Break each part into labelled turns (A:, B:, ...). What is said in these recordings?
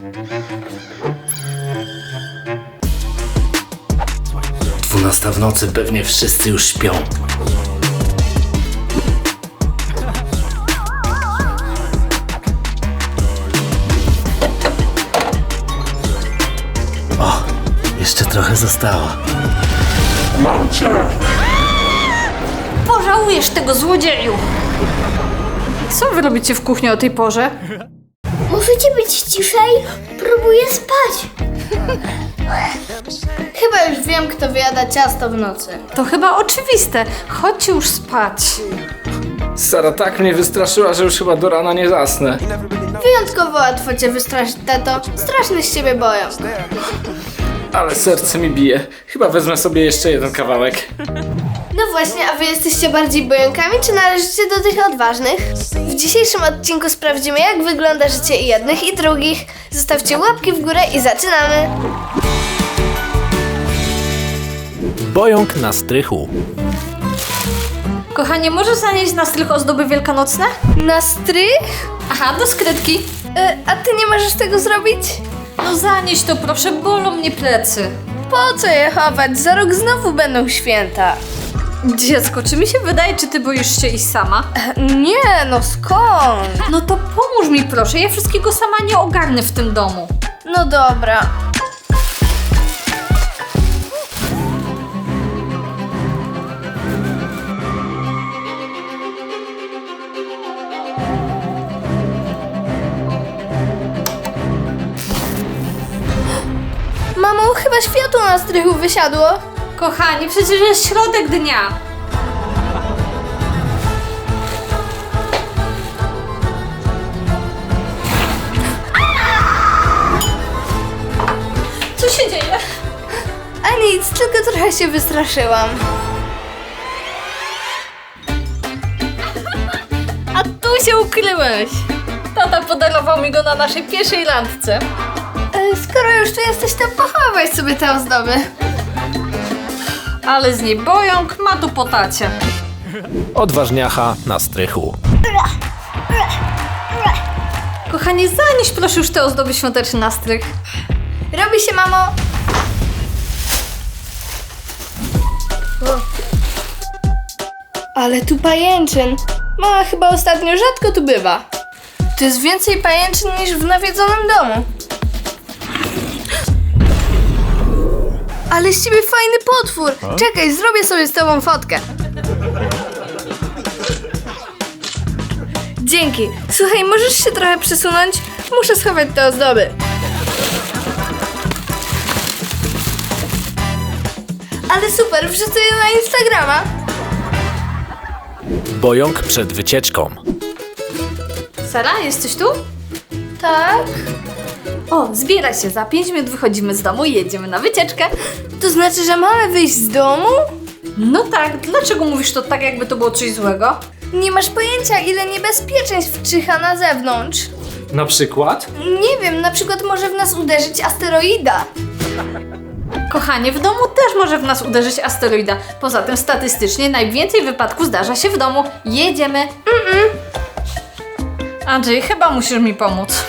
A: Dwunasta w nocy, pewnie wszyscy już śpią. O, jeszcze trochę zostało.
B: Pożałujesz tego, złodzieju! Co wy robicie w kuchni o tej porze?
C: Możecie być ciszej? Próbuję spać.
D: Chyba już wiem, kto wyjada ciasto w nocy.
B: To chyba oczywiste. Chodźcie już spać.
A: Sara tak mnie wystraszyła, że już chyba do rana nie zasnę.
D: Wyjątkowo łatwo cię wystraszyć, tato. Straszny z ciebie boją.
A: Ale serce mi bije. Chyba wezmę sobie jeszcze jeden kawałek.
D: No właśnie, a wy jesteście bardziej bojąkami, czy należycie do tych odważnych? W dzisiejszym odcinku sprawdzimy, jak wygląda życie i jednych, i drugich. Zostawcie łapki w górę i zaczynamy!
E: Bojąk na strychu.
B: Kochanie, możesz zanieść na strych ozdoby wielkanocne?
D: Na strych?
B: Aha, do skrytki.
D: A ty nie możesz tego zrobić?
B: No zanieś to proszę, bolą mnie plecy.
D: Po co je chować? Za rok znowu będą święta.
B: Dziecko, czy mi się wydaje, czy ty boisz się iść sama?
D: Nie, no skąd?
B: No to pomóż mi proszę, ja wszystkiego sama nie ogarnę w tym domu.
D: No dobra. Mamo, chyba światło na strychu wysiadło.
B: Kochani, przecież jest środek dnia. Co się dzieje?
D: A nic, tylko trochę się wystraszyłam.
B: A tu się ukryłeś. Tata podarował mi go na naszej pierwszej randce.
D: Skoro już tu jesteś, to pochowaj sobie te ozdoby.
B: Ale z niej bojąk ma tu po tacie.
E: Odważniacha na strychu.
B: Kochanie, zanieś proszę już te ozdoby świąteczne na strych.
D: Robi się, mamo. Ale tu pajęczyn. Mama chyba ostatnio rzadko tu bywa. To jest więcej pajęczyn niż w nawiedzonym domu. Ale z ciebie fajny potwór. Czekaj, zrobię sobie z tobą fotkę. Dzięki. Słuchaj, możesz się trochę przesunąć? Muszę schować te ozdoby. Ale super, wrzucę je na Instagrama.
E: Bojąk przed wycieczką.
B: Sara, jesteś tu?
D: Tak?
B: O, zbieraj się, za 5 minut wychodzimy z domu i jedziemy na wycieczkę.
D: To znaczy, że mamy wyjść z domu?
B: No tak, dlaczego mówisz to tak, jakby to było coś złego?
D: Nie masz pojęcia, ile niebezpieczeństw czyha na zewnątrz.
A: Na przykład?
D: Nie wiem, na przykład może w nas uderzyć asteroida.
B: Kochanie, w domu też może w nas uderzyć asteroida. Poza tym statystycznie najwięcej wypadków zdarza się w domu. Jedziemy. Andrzej, chyba musisz mi pomóc.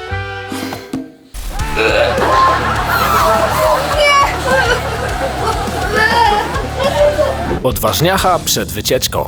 E: Odważniacha przed wycieczką.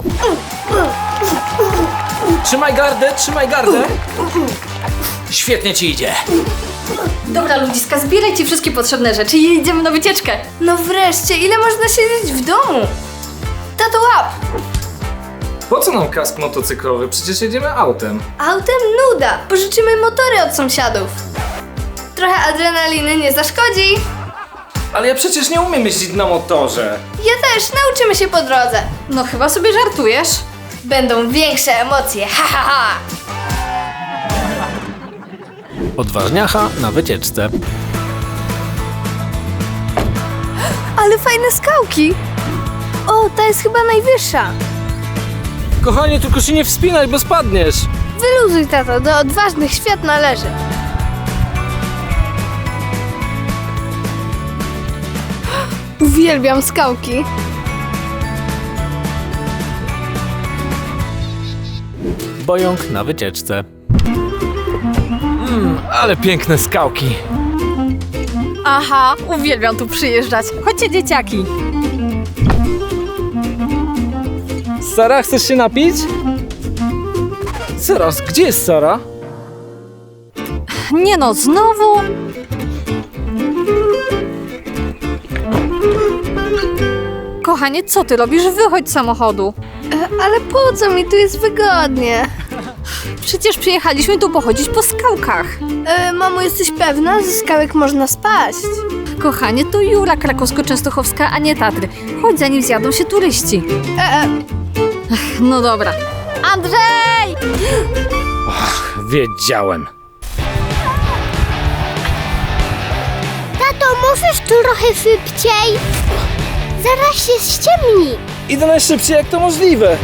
A: Trzymaj gardę, trzymaj gardę! Świetnie ci idzie.
B: Dobra, ludziska, zbierajcie wszystkie potrzebne rzeczy i jedziemy na wycieczkę.
D: No wreszcie, ile można siedzieć w domu? Tato, łap!
A: Po co nam kask motocyklowy? Przecież jedziemy autem.
D: Autem nuda. Pożyczymy motory od sąsiadów. Trochę adrenaliny nie zaszkodzi.
A: Ale ja przecież nie umiem jeździć na motorze.
D: Ja też, nauczymy się po drodze.
B: No chyba sobie żartujesz.
D: Będą większe emocje, ha ha ha!
E: Odważniacha na wycieczce.
D: Ale fajne skałki. O, ta jest chyba najwyższa.
A: Kochanie, tylko się nie wspinaj, bo spadniesz.
D: Wyluzuj, tato, do odważnych świat należy. Uwielbiam skałki.
E: Bojąk na wycieczce. Ale piękne skałki.
B: Aha, uwielbiam tu przyjeżdżać. Chodźcie, dzieciaki.
A: Sara, chcesz się napić? Zaraz, gdzie jest Sara?
B: Nie no, znowu? Kochanie, co ty robisz? Wychodź z samochodu.
D: Ale po co mi tu jest wygodnie?
B: Przecież przyjechaliśmy tu pochodzić po skałkach.
D: Mamo, jesteś pewna? Ze skałek można spaść.
B: Kochanie, to Jura Krakowsko-Częstochowska, a nie Tatry. Chodź, zanim zjadą się turyści. No dobra. Andrzej!
A: Wiedziałem.
C: Tato, możesz trochę szybciej? Zaraz się ściemni.
A: Idę najszybciej jak to możliwe.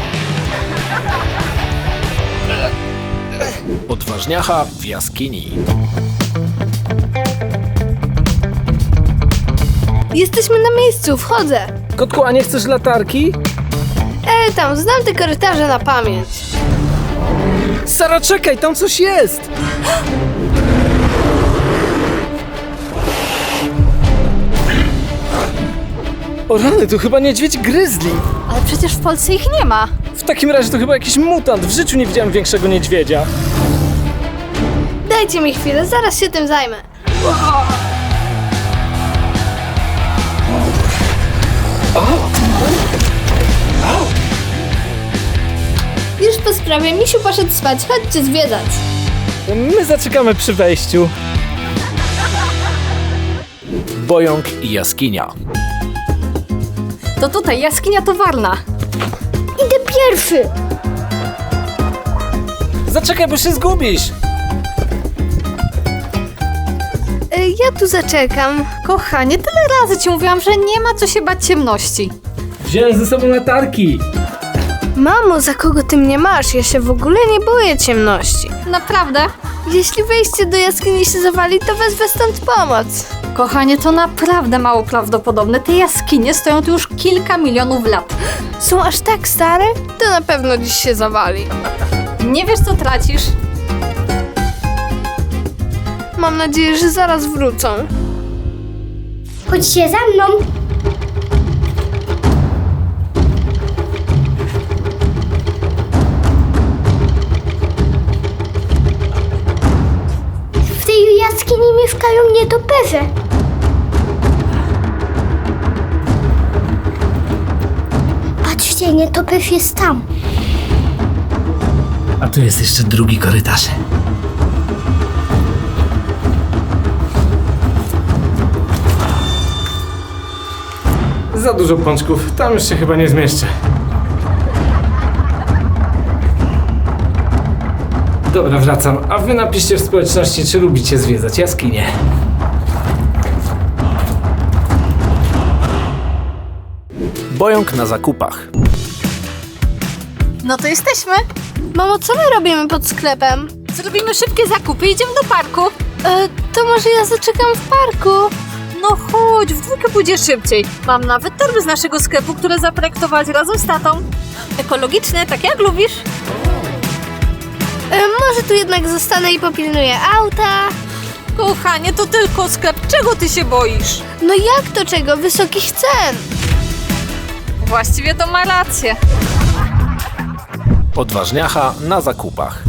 E: Odważniacha w jaskini.
D: Jesteśmy na miejscu, wchodzę.
A: Kotku, a nie chcesz latarki?
D: Tam, znam te korytarze na pamięć.
A: Sara, czekaj, tam coś jest! O rany, tu chyba niedźwiedź gryzli.
B: Ale przecież w Polsce ich nie ma.
A: W takim razie to chyba jakiś mutant. W życiu nie widziałem większego niedźwiedzia.
D: Dajcie mi chwilę, zaraz się tym zajmę. Już po sprawie, misiu poszedł spać, chodźcie zwiedzać.
A: My zaczekamy przy wejściu.
E: Bojąk i jaskinia.
B: To tutaj jaskinia towarna.
C: Idę pierwszy.
A: Zaczekaj, bo się zgubisz.
D: Ja tu zaczekam.
B: Kochanie, tyle razy ci mówiłam, że nie ma co się bać ciemności.
A: Wziąłem ze sobą latarki.
D: Mamo, za kogo ty mnie masz? Ja się w ogóle nie boję ciemności.
B: Naprawdę?
D: Jeśli wejście do jaskini się zawali, to wezwę stąd pomoc.
B: Kochanie, to naprawdę mało prawdopodobne. Te jaskinie stoją tu już kilka milionów lat.
D: Są aż tak stare? To na pewno dziś się zawali.
B: Nie wiesz, co tracisz?
D: Mam nadzieję, że zaraz wrócą.
C: Chodźcie za mną. W tej jaskini mieszkają nietoperze. Patrzcie, nietoperz jest tam.
A: A tu jest jeszcze drugi korytarz. Za dużo pączków, tam już się chyba nie zmieszczę. Dobra, wracam. A wy napiszcie w społeczności, czy lubicie zwiedzać jaskinie.
E: Bojąk na zakupach.
B: No to jesteśmy.
D: Mamo, co my robimy pod sklepem?
B: Zrobimy szybkie zakupy i idziemy do parku.
D: To może ja zaczekam w parku?
B: No chodź, w dwójkę pójdzie szybciej. Mam nawet torby z naszego sklepu, które zaprojektowałaś razem z tatą. Ekologiczne, tak jak lubisz.
D: Może tu jednak zostanę i popilnuję auta?
B: Kochanie, to tylko sklep. Czego ty się boisz?
D: No jak to czego? Wysokich cen.
B: Właściwie to ma rację.
E: Odważniacha na zakupach.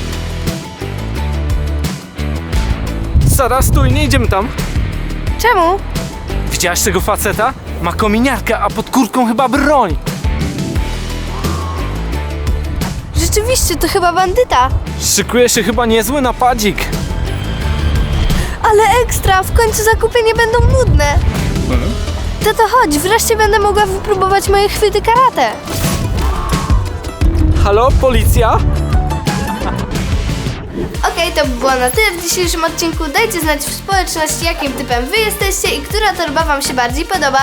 A: Sara, stój, nie idziemy tam.
D: Czemu?
A: Widziałaś tego faceta? Ma kominiarkę, a pod kurtką chyba broń.
D: Rzeczywiście, to chyba bandyta.
A: Szykuje się chyba niezły napadzik.
D: Ale ekstra, w końcu zakupy nie będą nudne. To chodź, wreszcie będę mogła wypróbować moje chwyty karate.
A: Halo, policja?
D: Okej, to by było na tyle w dzisiejszym odcinku. Dajcie znać w społeczności, jakim typem wy jesteście i która torba wam się bardziej podoba.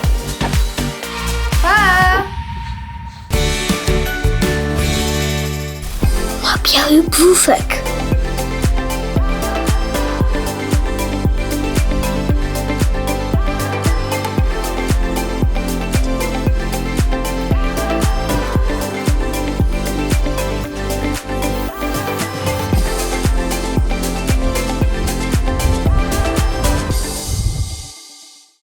D: Pa!
C: Ma biały brzuszek.